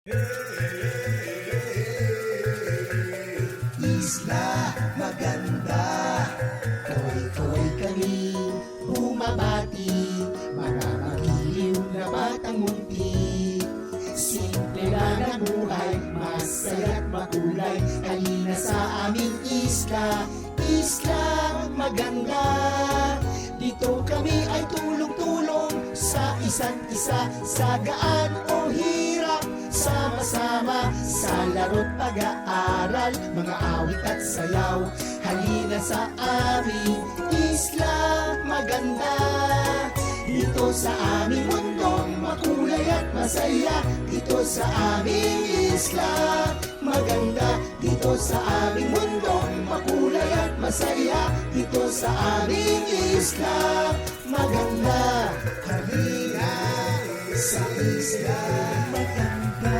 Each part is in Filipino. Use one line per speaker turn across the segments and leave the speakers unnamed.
Isla maganda, koy-koy kami bumabati, mga magiliw na batang munti. Simple lang ang buhay, masaya't makulay, halina sa aming isla, isla maganda. Dito kami ay tulong-tulong sa isa't isa, sa gaan o hirap, sama-sama sa laro't pag-aaral, mga awit at sayaw. Halina sa aming isla maganda. Dito sa aming mundong makulay at masaya, dito sa aming isla maganda. Dito sa aming mundong makulay at masaya, dito sa aming isla maganda. Halina sa isla maganda.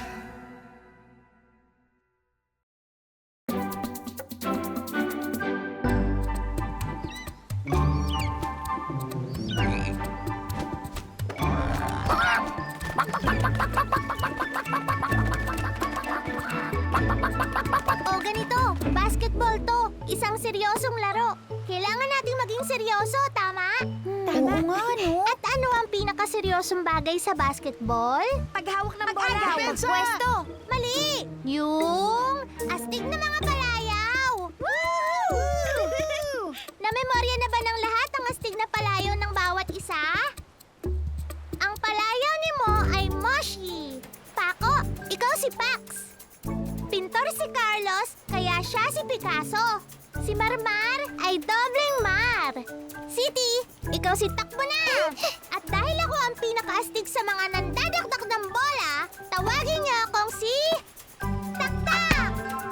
O ganito, basketball to. Isang seryosong laro. Kailangan nating maging seryoso, tama?
Oo nga, no?
At ano ang pinakaseryosong bagay sa basketball?
Paghawak ng bola.
Pag-agaw, pagpwesto. Mali! Yung astig na mga palayaw. Namemorya na ba ng lahat ang astig na palayaw ng bawat isa? Ang palayaw ni Mo ay Moshi. Paco, ikaw si Pax. Pintor si Carlos, kaya siya si Picasso. Si Marmar ay dobleng Mar. Siti, ikaw si Takbo na. At dahil ako ang pinakaastig sa mga nandadakdak ng bola, tawagin niyo akong si Taktak.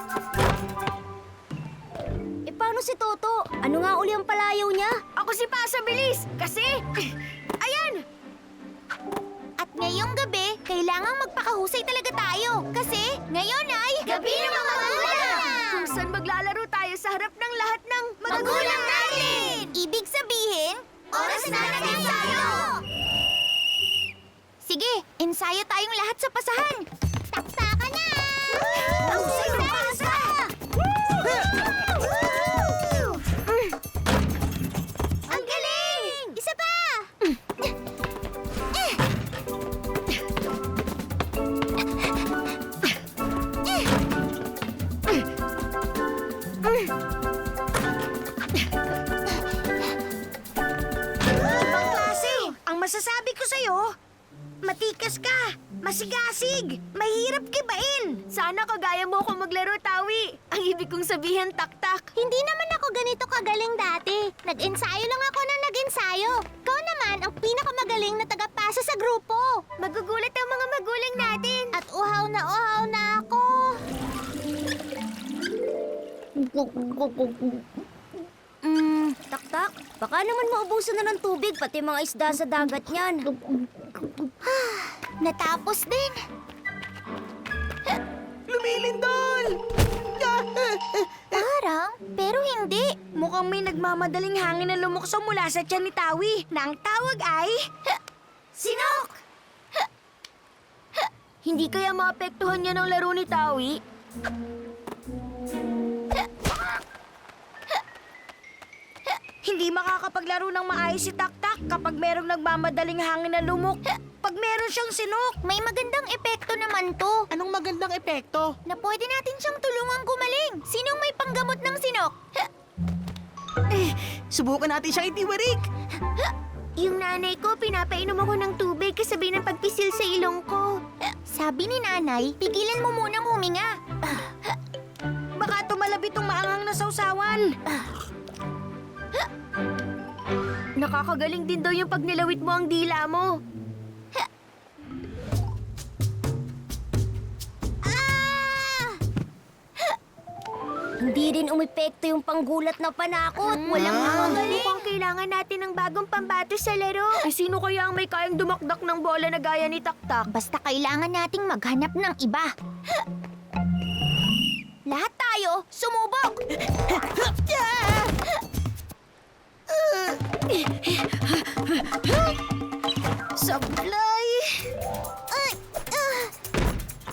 Eh, paano si Toto? Ano nga uli ang palayaw niya? Ako si Pasa Bilis! Kasi, ayan!
At ngayong gabi, kailangang magpakahusay talaga tayo. Kasi ngayon ay Gabi ng mga Magulang!
Kung saan maglalaro tayo sa harap ng lahat ng
Magulang natin! Ibig sabihin, oras na ng ensayo! Sige, ensayo tayong lahat sa pasahan. Taktaka na! Husay ng pasa! Ang galing! Isa pa!
ibang klase. Ang masasabi ko sa'yo, matikas ka, masigasig, mahirap kibain. Sana kagaya mo ako maglaro, Tawi. Ang ibig kong sabihin, Taktak.
Hindi naman ako ganito kagaling dati. Nag-ensayo lang ako na nag-ensayo. Ikaw naman ang pinakamagaling na tagapasa sa grupo.
Magugulat ang mga magulang natin.
At uhaw na ako.
Taktak, baka naman maubusan na ng tubig pati mga isda sa dagat niyan.
Natapos din.
Lumilindol!
Parang, pero hindi.
Mukhang may nagmamadaling hangin na lumukso mula sa tiyan ni Tawi na ang tawag ay... Sinok! Hindi kaya maapektuhan niya ng laro ni Tawi? Hindi makakapaglaro ng maayos si Taktak kapag merong nagmamadaling hangin na lumuk. Pag meron siyang sinok.
May magandang epekto naman to.
Anong magandang epekto?
Na pwede natin siyang tulungang gumaling. Sinong may panggamot ng sinok?
Subukan natin siyang itiwarik.
Yung nanay ko, pinapainom ako ng tubig kasabay ng pagpisil sa ilong ko. Sabi ni nanay, pigilan mo munang huminga.
Baka tumalab itong maanghang na sausawan. Nakakagaling din daw yung pag nilawit mo ang dila mo. Hindi rin umepekto yung panggulat na panakot. Walang nakagaling. Mukhang kailangan natin ng bagong pambato sa laro. Ay, sino kaya ang may kayang dumakdak ng bola na gaya ni Taktak?
Basta kailangan nating maghanap ng iba. Lahat tayo, sumubok!
Sablay!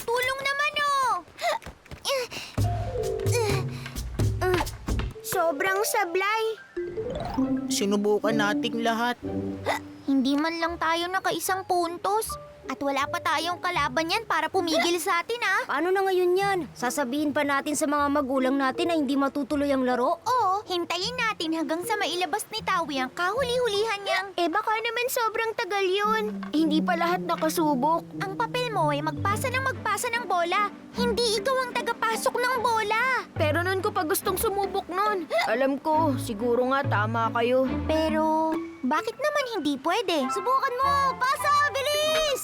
sobrang sablay.
Sinubukan nating lahat.
Hindi man lang tayo nakaisang puntos. At wala pa tayong kalaban yan para pumigil sa atin, ah.
Paano na ngayon yan? Sasabihin pa natin sa mga magulang natin na hindi matutuloy ang laro?
Oo, hintayin natin hanggang sa mailabas ni Tawi ang kahuli-hulihan niyang...
Baka naman sobrang tagal yun. Hindi pa lahat nakasubok.
Ang papel mo ay magpasa ng bola. Hindi ikaw ang tagapasok ng bola.
Pero noon ko pa gustong sumubok nun. Alam ko, siguro nga tama kayo.
Pero, bakit naman hindi pwede? Subukan mo! Pasa! Bilis!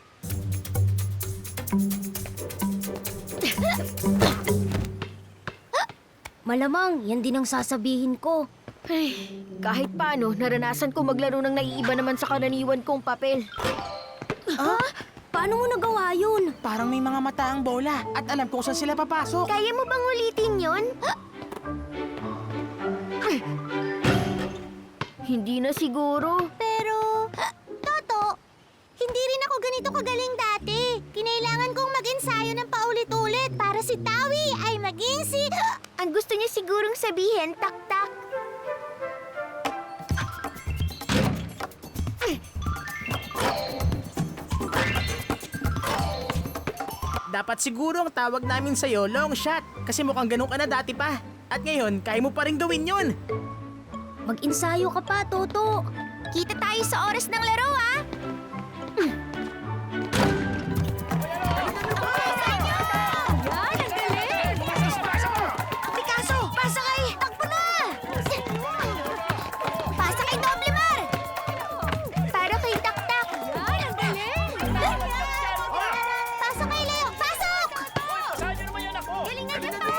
Malamang, yan din ang sasabihin ko. Ay, kahit paano, naranasan ko maglaro ng naiiba naman sa karaniwan kong papel. Paano mo nagawa yun?
Parang may mga mata ang bola at alam kung saan sila papasok.
Kaya mo bang ulitin yun? Hindi na siguro.
Pero, Toto, hindi rin ako ganito kagaling dati. Kinailangan kong mag-ensayo ng paulit-ulit para si Tawi ay maging si...
Ang gusto niya sigurong sabihin, tak-tak.
Dapat siguro ang tawag namin sa'yo long shot. Kasi mukhang ganun ka na dati pa. At ngayon, kaya mo pa rin gawin yun.
Mag-ensayo ka pa, Toto.
Kita tayo sa oras ng laro, ah!
Picasso, pasa kay!
Takbo na! Pasa kay Doblemar!
Para kay Tak-tak.
Pasa kay Leo! Pasok! Galingan niyo pa!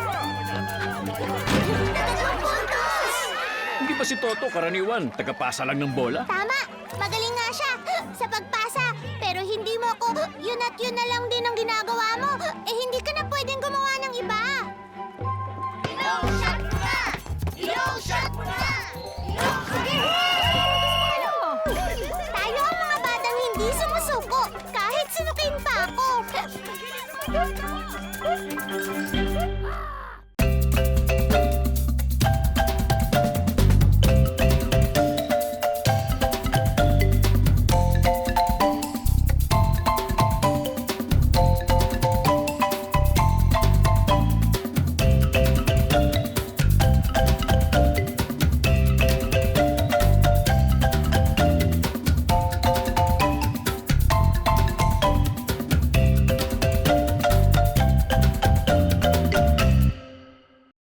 Tatlong puntos!
Hindi ba si Toto karaniwan? Tagapasa lang ng bola?
Tama! Magaling nga siya sa pagpasa. Pero hindi mo ako, yun at yun na lang din ang ginagawa mo. Hindi ka na pwedeng gumawa ng iba. Ilong shot na! Ilong shot na! Tayo ang mga batang hindi sumusuko kahit sinukin pa ako.